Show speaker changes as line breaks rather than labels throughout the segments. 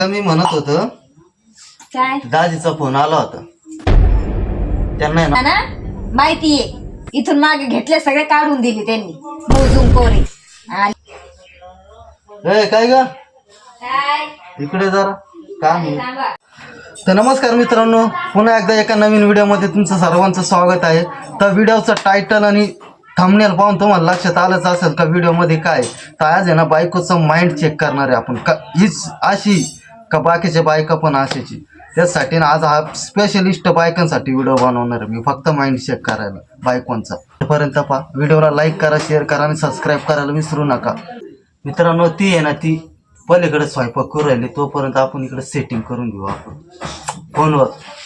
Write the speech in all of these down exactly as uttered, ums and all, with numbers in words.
मी म्हणत होतो
काय
दाजीचा फोन आला होता. त्यांना आहे ना
ना माहितीये, इथून मागे घेतले सगळे काढून दिले त्यांनी मोजून कोरे. आणि
ए काय ग
काय
इकडे जरा काम आहे.
सांगा.
तर नमस्कार मित्रांनो, पुन्हा एकदा एका नवीन व्हिडिओमध्ये तुमचं सर्वांचं स्वागत आहे. तर व्हिडिओचं टायटल आणि थंबनेल पाहून तुम्हाला लक्षात आलंच असेल का व्हिडिओमध्ये काय. तर आज आहे ना बायकोचं माइंड चेक करणार आहे आपण, का हीच अशी का बाकीच्या बायका पण अशाची. त्यासाठी ना आज हा स्पेशलिस्ट बायकांसाठी व्हिडिओ बनवणार आहे मी, फक्त माइंड चेक करायला बायकोंचा. तोपर्यंत पहा व्हिडिओला लाईक करा, शेअर करा आणि सबस्क्राईब करायला विसरू नका. मित्रांनो ती आहे ना ती पलीकडे स्वयंपाक करू राहिली, तोपर्यंत आपण इकडे सेटिंग करून घेऊ आपण फोनवर.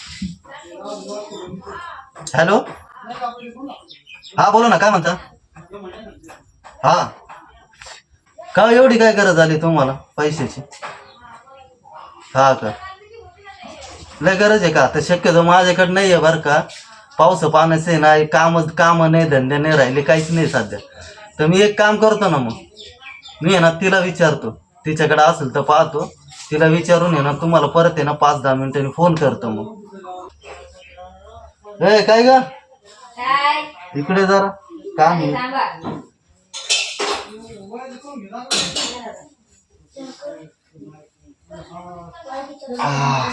हॅलो, हा बोला ना, काय म्हणता. हा का एवढी काय गरज आली तुम्हाला पैशाची? हा का लय गरज आहे का? तर शक्यतो माझ्याकडे नाही आहे बरं का. पाऊस पाण्याचे नाही, काम काम नाही, धंदे नाही राहिले, काहीच नाही सध्या. तर मी एक काम करतो ना, मग मी आहे ना तिला विचारतो, तिच्याकडे असेल तर पाहतो, तिला विचारून आहे ना तुम्हाला परत आहे ना पाच दहा मिनिटांनी फोन करतो. मग ए काय ग
काय
इकडे जरा काम आहे.
सांगा.
आह.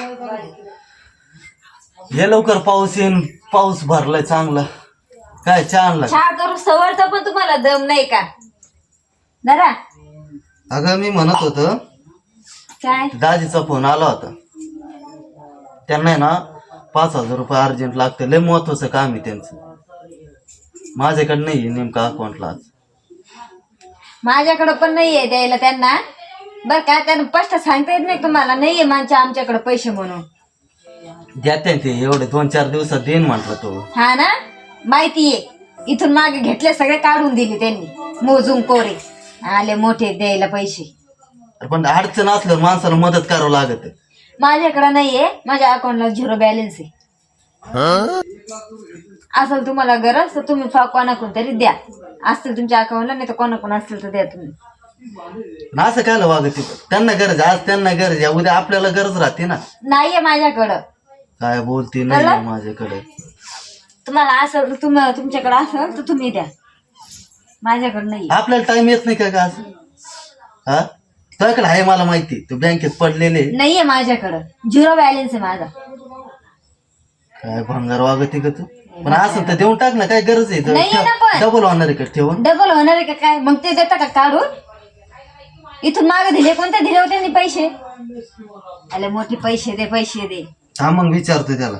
हे लवकर पाऊस येईन, पाऊस भरलाय चांगला. काय चहा आणला?
चहा करू सवरचा पण तुम्हाला दम नाही का जरा?
अगं मी म्हणत होतो
काय
दाजीचा फोन आला होता. त्यांना आहे ना पाच हजार रुपये अर्जंट लागते, लय महत्वाचं काम आहे त्यांचं. माझ्याकडे नाही नेमका अकाउंटला आज.
माझ्याकडे पण नाहीये द्यायला त्यांना, बर का. त्यांना स्पष्ट सांगता येत नाही तुम्हाला नाहीये माझ्या आमच्याकडे पैसे म्हणून.
द्याते ते एवढे दोन चार दिवसात देईन म्हटलं तो.
हा ना माहितीये, इथून मागे घेतले सगळे काढून दिले त्यांनी मोजून कोरे. आले मोठे द्यायला पैसे.
पण अडचण असल्यावर माणसाला मदत करावं लागत.
माझ्याकडे नाहीये, माझ्या अकाउंटला झिरो बॅलन्स आहे. असेल तुम्हाला गरज तर तुम्ही कोणाकडून तरी द्या. असतील तुमच्या अकाउंटला, नाही तर कोणाकडून असतील तर द्या तुम्ही.
ना असं काय वागत, त्यांना गरज आज त्यांना गरज आहे, उद्या आपल्याला गरज राहते ना.
नाहीये माझ्याकडं.
काय बोलते नाही माझ्याकडे.
तुम्हाला असं तुम तुमच्याकडे असेल तर तुम्ही द्या, माझ्याकडे नाही.
आपल्याला टाइम येत नाही का का असं? हा तुझ्याकडे आहे मला माहिती, तू बँकेत पडलेले.
नाहीये माझ्याकडं, झिरो बॅलन्स आहे माझा.
काय भंगार वागते का तू? पण असं तर देऊन टाक ना, काय गरज आहे?
नाहीये ना पण.
डबल होणार आहे का ठेवून?
डबल होणार आहे का काय? मग ते देता का काढून? इथून मागे दिले, कोणते दिले होते त्यांनी पैसे? आले मोठे पैसे दे, पैसे दे.
हा मग विचारतो त्याला.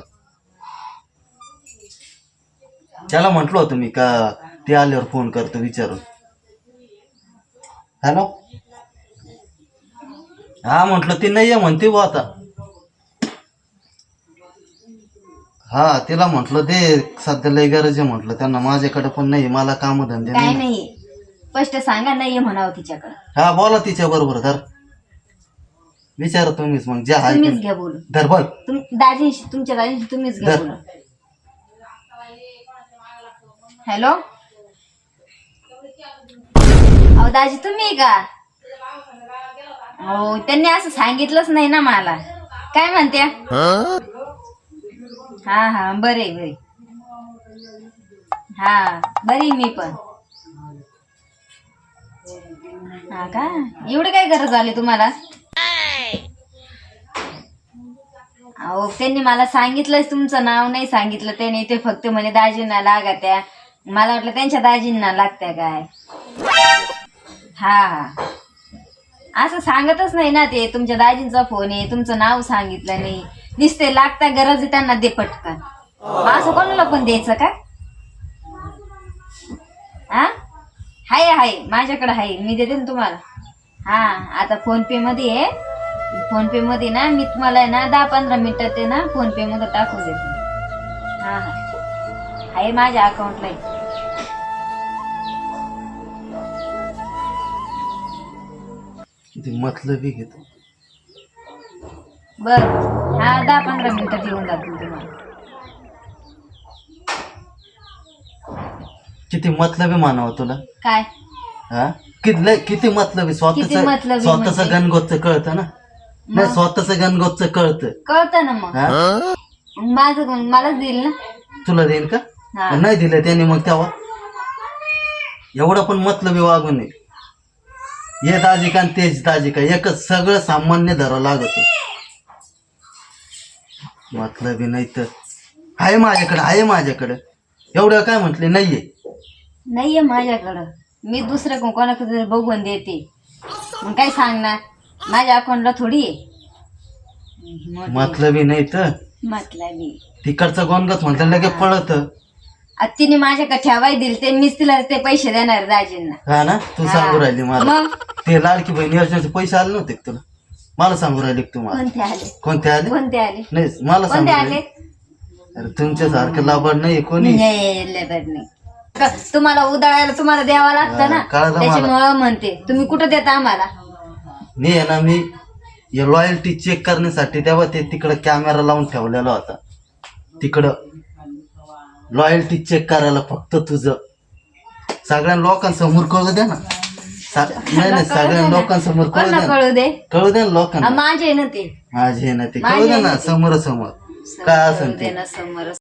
त्याला म्हंटल होतं मी का ते आल्यावर फोन करतो विचारून. हॅलो, हा म्हंटल ती नाही आहे म्हणते बुवा आता. हा तिला म्हंटल दे, सध्या लय गरज आहे म्हंटल त्यांना. माझ्याकडे पण नाही, मला काम धंदे
काय
नाही.
नाही, स्पष्ट सांगा नाहीये म्हणावं तिच्याकडे.
हा बोला तिच्या बरोबर. धर विचारा तुम्हीच मग, जे आहे
तुम्हीच
ते.
घ्या बोलून.
धर बघ.
तुम दाजींशी, तुमच्या दाजींशी तुम्हीच घ्या
धर.
बोलून. हॅलो, अहो दाजी तुम्ही का? हो त्यांनी असं सांगितलंच नाही ना मला. काय म्हणत्या? हा हा बरे बरे. हा बरी मी पण. हा का, एवढी काय गरज आली तुम्हाला? अहो त्यांनी मला सांगितलंच, तुमचं नाव नाही सांगितलं त्यांनी. ते फक्त म्हणे दाजींना लागा त्या. मला वाटलं त्यांच्या दाजींना लागत्या काय. हा असं सांगतच नाही ना ते. तुमच्या दाजींचा फोन आहे, तुमचं नाव सांगितलं नाही, नुसते लागता गरज आहे त्यांना दे पटकन. असं कोणाला पण द्यायचं का? हा हाय हाय माझ्याकडे आहे, मी देते ना तुम्हाला. हा आता फोन पे मध्ये आहे. फोन पे मध्ये ना मी तुम्हाला आहे ना दहा पंधरा मिनिटात ते ना फोन पे मध्ये टाकून देते. हा हा आहे माझ्या अकाउंटला.
किती मतलबी घेतो.
बर हा दहा पंधरा मिनिटात येऊन जातील तुम्हाला.
किती मतलबी मानावं तुला.
काय
हा किती किती मतलबी.
किती मतलबी
स्वतःच स्वतःच
म्हणजे?
गणगोतच कळतं ना. नाही स्वतःच गणगोतच कळतं.
कळतं ना मग.
हा?
मग माझं कोण मलाच देईल ना.
तुला देईन का?
हा.
नाही दिलं त्याने मग तेव्हा एवढं पण मतलबी वागू नये. हे दाजी का आणि तेच दाजी का एकच सगळं सामान्य धरावं लागत. मतलबी नाही तर आहे माझ्याकडे आहे माझ्याकडे एवढं काय म्हटले नाहीये.
नाहीये माझ्याकडं. मी दुसऱ्या कोण कोणाकडे तरी बघून देते. मग काय सांगणार माझ्या अकाउंटला थोडी आहे.
मतलबी नाही तर
मतलबी
तिकडचं गोनगत म्हटलं लगे पळत.
आता तिने माझ्याकडे ठेवाय दिले ते मीच तिला ते पैसे देणार दाजींना.
हा ना तू सांगू राहिली मला
मग
ते लाडकी बहीण योजनेचे पैसे आले नव्हते का तुला? मला सांगू राहिले का तुम्हाला?
कोणते आले
कोणते आले?
कोणते आले
नाही मला सांगू
कोणते आले?
राहिले. अरे तुमच्यासारखं लाभाड नाही कोणी.
नाही लेबर नाही. क- तुम्हाला उदाळायला तुम्हाला द्यावं लागतं ना.
हा, कळलं मला.
त्याच्यामुळं म्हणते तुम्ही कुठं देता आम्हाला.
मी आहे ना मी लॉयल्टी चेक करण्यासाठी तेव्हा ते तिकडं कॅमेरा लावून ठेवलेला होता. तिकडं लॉयल्टी चेक करायला फक्त तुझं सगळ्या लोकांसमोर कळू दे ना. सा- नाही नाही सगळ्या लोकांसमोर कळू
कोणाला
दे ना.
कळू दे.
कळू दे ना
आ,
लोकांना.
माझे आहे ना ते.
माझे ना ते
माझे
कळू दे
आहे
ना
ना ते.
समोर समोर काय
कळू
असेल
दे
ते.
ना समोर